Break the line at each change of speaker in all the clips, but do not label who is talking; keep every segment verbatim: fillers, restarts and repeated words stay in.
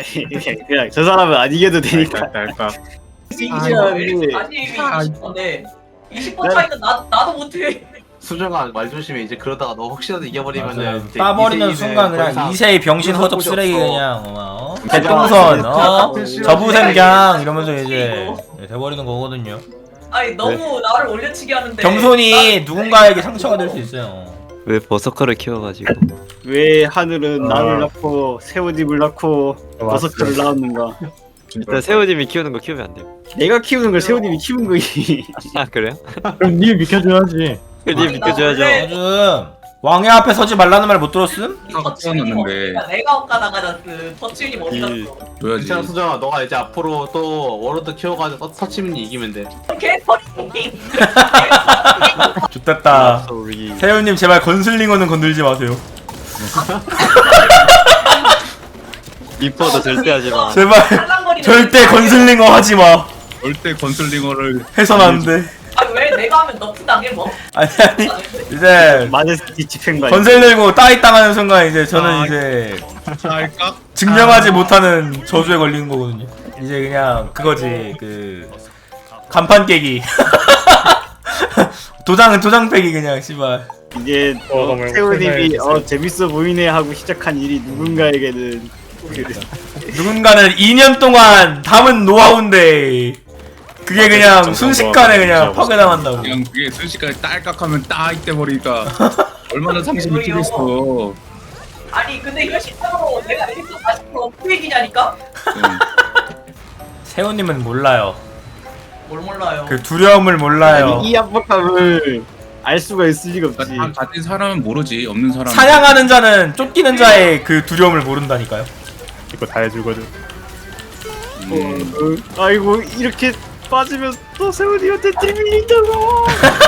그냥 저 사람은 안 이겨도 되니까.
할까?
신기하게.
아니 이십 번에 이십 번 차이는 나 나도 못해.
수정아 말 조심해. 이제 그러다가 너 혹시라도 이겨버리면은 이제
따버리는
이세이는
순간
더
그냥
이상
이세의 병신
그런
허접
곳이
쓰레기
없어.
그냥 어? 대똥선 어? 저부생gang 이러면서 이제 돼버리는 거거든요.
아니 너무 나를 올려치기 하는데.
겸손이 누군가에게 상처가 될 수 있어요.
왜 버서커를 키워가지고
왜 하늘은
아.
나를 낳고 새우집을 낳고 버섯들을 낳았는가?
일단 새우님이 키우는 거 키우면 안 돼요.
내가 키우는 걸 새우님이 키운 거지.
아 그래요?
그럼 니 비켜줘야지.
님
아니, 나
비켜줘야죠.
원래-
요즘 왕의 앞에 서지 말라는 말 못 들었음?
터치님
놨는데.
어디가 내가 엇가다가 그 터치님 어디
이-
갔어?
줘야지.
괜찮아 수정아. 너가 이제 앞으로 또 워로드 키워가지고 서치민이 이기면 돼.
개 터치님.
좋됐다.
우리
세훈님 제발 건슬링어는 건들지 마세요.
이뻐도 절대 하지 마.
제발 절대 건슬링어 하지 마.
절대 건슬링어를
해선 안 돼.
아니 왜 내가 하면 너프 당해 뭐?
아니 아니 이제
맞을 뒤집힌 거야.
건슬 들고 따위 당하는 순간 이제 저는
아.
이제
할까?
증명하지 못하는 저주에 걸리는 거거든요. 이제 그냥 그거지 그 간판 깨기. 도장은 도장 빼기 그냥 씨발.
이제
어,
어,
너무
새우님이
행복해요.
어 재밌어 보이네 하고 시작한 일이 누군가에게는 그
누군가는 이 년 동안 담은 노하우인데 그게 그냥 순식간에 그냥 파괴당한다고.
그냥 그게 순식간에 딸깍하면 딱 이때 버리니까 얼마나 상심이 뛰겠어.
아니 근데 이거 실제로 내가 일도 사십 퍼센트 어떻게 얘기냐니까?
세훈님은 몰라요.
뭘 몰라요.
그 두려움을 몰라요.
이 압박감을 알 수가 있을 리가 없지.
그러니까 다 가진 사람은 모르지. 없는 사람.
사냥하는 자는 쫓기는 자의 그 두려움을 모른다니까요.
이거 다 해주거든.
음,
어, 어, 아이고 이렇게 빠지면 또 새우님한테 띠밀린다고.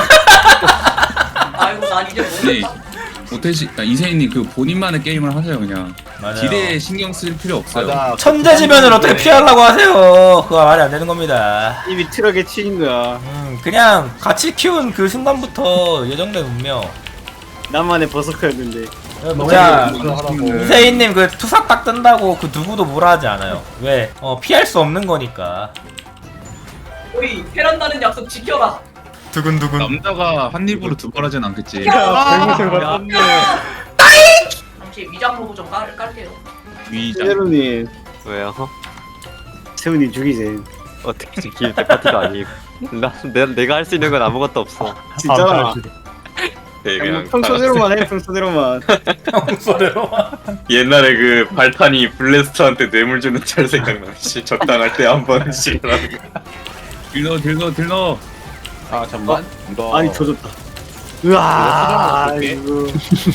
아이고 난 이제
근데
모르겠다.
오태시 아, 이세인님 그 본인만의 게임을 하세요 그냥.
맞아요.
딜에 신경 쓸 필요 없어요.
맞아.
천재지면을 어떻게 피하려고 하세요? 그거 말이 안 되는 겁니다.
이미 트럭에 치인 거야.
음, 그냥 같이 키운 그 순간부터 예정된 운명.
나만의 버섯커였는데.
뭐야,
그
이세인님 그 투사 딱 뜬다고 그 누구도 뭐라 하지 않아요. 왜? 어, 피할 수 없는 거니까.
우리 패란다는 약속 지켜라.
두근두근.
남자가 한 입으로 두 번 하진 않겠지.
잘못을 봤네.
잠시 위장 로고 좀 깔, 깔게요.
위장.
새우님,
왜요?
새우님 죽이세요.
어떻게 지킬 때 파티가 아니고 나 내, 내가 할 수 있는 건 아무것도 없어.
진짜.
네,
그냥
그냥
평소대로만 해, 평소대로만.
평소대로.
옛날에 그 발탄이 블래스터한테 뇌물 주는 짤 생각나. 씨, 적당할 때 한 번씩 하는 거.
딜러 딜러 딜러.
아 잠만. 너
아니 조졌다. 으아, 이거.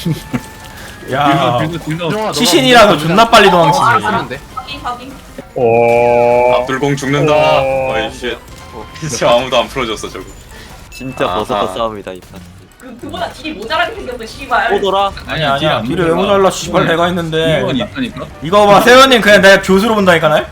야,
딜러 딜러 딜러.
시신이라도 존나 빨리 도망치네.
하면 돼.
확인 확인.
오.
압둘공 죽는다.
어.
어이 쉣. 진짜 아무도 안 풀어줬어 저거.
진짜
아하.
버서커 싸움이다 이 판.
그 그보다 딜이 모자라게 생겼어 씨발.
오더라.
아니 아니야. 뒤를 왜 모자라 씨발 내가 했는데.
이건 있다니까.
이거 봐 세훈님 그냥 내가 교수로 본다니까 날.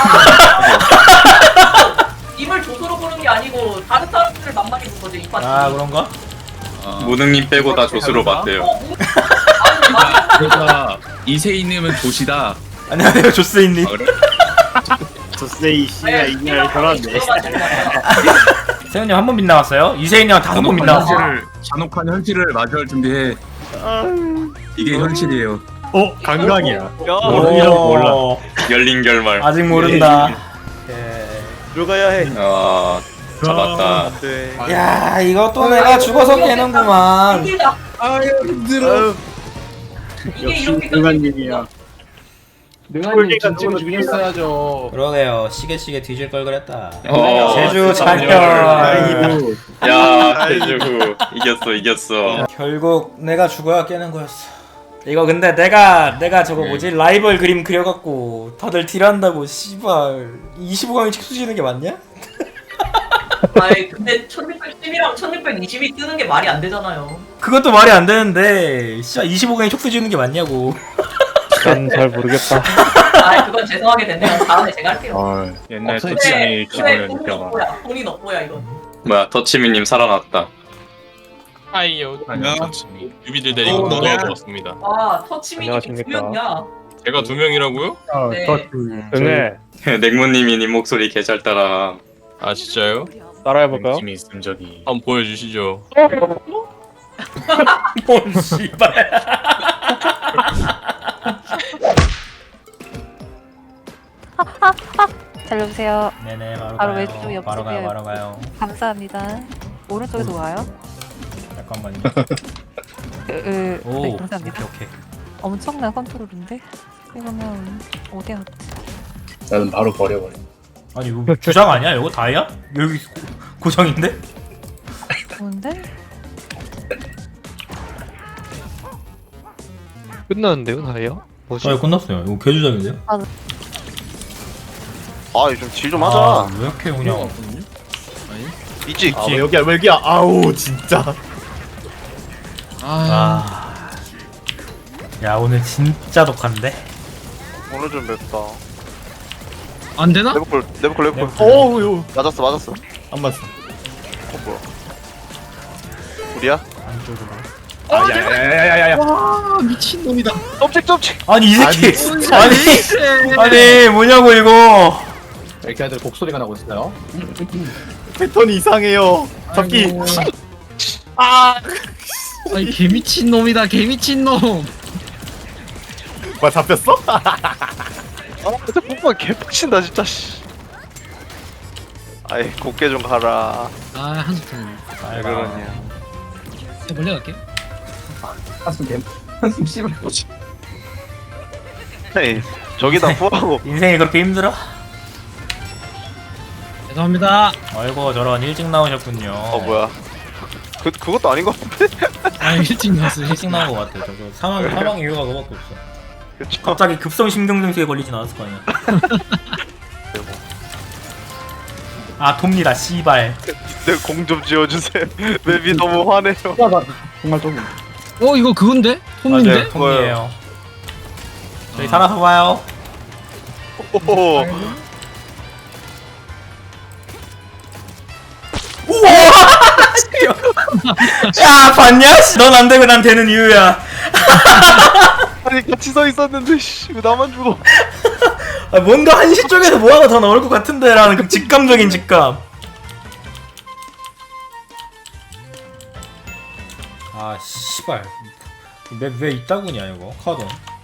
입을 조수로 보는 게 아니고 다른 사람들을 만만히 본 거지 이 파티.
아 그런가?
아,
무능님 빼고 다 조수로 봤대요.
어, 뭐? 아니 나
그러니까 이세인님은 조시다.
안녕하세요 조스인님.
아, 그래?
조세이 씨가 이날 결혼네.
세훈님 한 번 빗나갔어요? 이세인이랑 다섯 번
잔혹한
빗나갔어.
현실을 잔혹한 현실을 마주할 준비해. 이게 현실이에요.
어 강강이야.
야
오,
이런 거 몰라.
열린 결말.
아직 모른다. 예.
들어가야 해.
아 잡았다.
네.
야 이거 또 내가 죽어서 깨는구만.
힘들다.
아유 힘들어.
이게
역시
이렇게
능한님이야.
능한님 진짜 죽였어야죠.
그러게요. 시계 시계 뒤질 걸 그랬다.
어,
제주
세상에.
잔열.
야 세주 이겼어 이겼어.
결국 내가 죽어야 깨는 거였어. 이거 근데 내가 내가 저거
네.
뭐지 라이벌 그림 그려갖고 다들 딜한다고 씨발 이십오 강이 책수 지는 게 맞냐?
아이 근데 천육백십이랑 천육백이십이 뜨는 게 말이 안 되잖아요.
그것도 말이 안 되는데 씨발 이십오 강이 촉수 지는 게 맞냐고.
난 잘 모르겠다.
아 그건 죄송하게 됐네요. 다음에 제가 할게요.
아 옛날
없어요.
터치장이
근데
기분을
돈이
느껴봐.
넉보야. 돈이 넉보야 이건.
뭐야 터치미님 살아났다.
하이요.
안녕.
유비들 데리고
어,
놀러
너야?
왔습니다.
와 터치미
안녕하십니까.
두명이야.
제가 두 명이라고요?
네.
응애.
넥모님이 님 목소리 개 잘 따라.
아 진짜요?
따라해볼까요?
팀이 있음 저기.
한번 보여주시죠.
뭔 씨발.
달려주세요.
네네 바로,
바로
가요.
왼쪽 옆집이에요.
바로 가요 바로 가요.
감사합니다. 오른쪽에서 와요.
잠깐만요.
으, 으,
오
네,
오케이
감사합니다.
오케이.
엄청난 컨트롤인데? 이러면 어디야?
나는 바로 버려버려.
아니 이거 주장 아니야? 이거 다이야? 여기 고, 고정인데?
좋은데?
끝났는데요, 다이어? 뭐지?
아 끝났어요. 이거 개주장인데요?
아, 좀 질 좀
아,
하자.
왜 이렇게 그냥
있지?
아 왜 여기야 왜 여기야? 아우 진짜.
아. 야 오늘 진짜 독한데?
오늘 좀 맵다.
안 되나?
레버콜, 레버콜, 레버콜.
어우 요.
맞았어, 맞았어.
안 맞어.
어, 뭐야? 우리야?
안쪽으로.
아야야야야야야.
와 미친놈이다.
점찍, 점찍!
아니 이 새끼 아니 아니 뭐냐고 이거.
이렇게 애들 곡소리가 나고 있어요.
패턴이 이상해요. 잡기. 아.
아니 개 미친 놈이다 개 미친 놈.
뭐 잡혔어?
아, 진짜 뽕뽕 개빡친다, 진짜, 씨. 아이, 곱게 좀 가라.
아 한숨.
왜 그러냐.
멀리 갈게.
한숨 개. 한숨 씨발.
에이, 저기다 후하고.
인생이 그렇게 힘들어?
죄송합니다.
아이고 저런 일찍 나오셨군요.
어, 뭐야. 그, 그것도 아닌 것 같은데?
아 일찍 나왔어.
일찍 나온 것 같아. 저거 사망 사망 이유가 그거밖에 없어.
그쵸.
갑자기 급성 심근경색에 걸리진 않았을 거 아니야. 아 돕니다 씨발.
내 공 좀 지어주세요. 맵이 너무 화내요.
정말 좀.
어 이거 그건데? 홈인데?
맞아요.
톰이에요. 저희 살아서 봐요.
오호.
야 봤냐? 넌 안 되고 난 되는 이유야.
아니, 같이 서 있었는데, 씨. 왜 나만 죽어?
아, 뭔가 한시 쪽에서 뭐 하나 더 나올 것 같은데라는 그 직감적인 직감. 아 씨발. 왜 왜 이따구냐 이거 카드.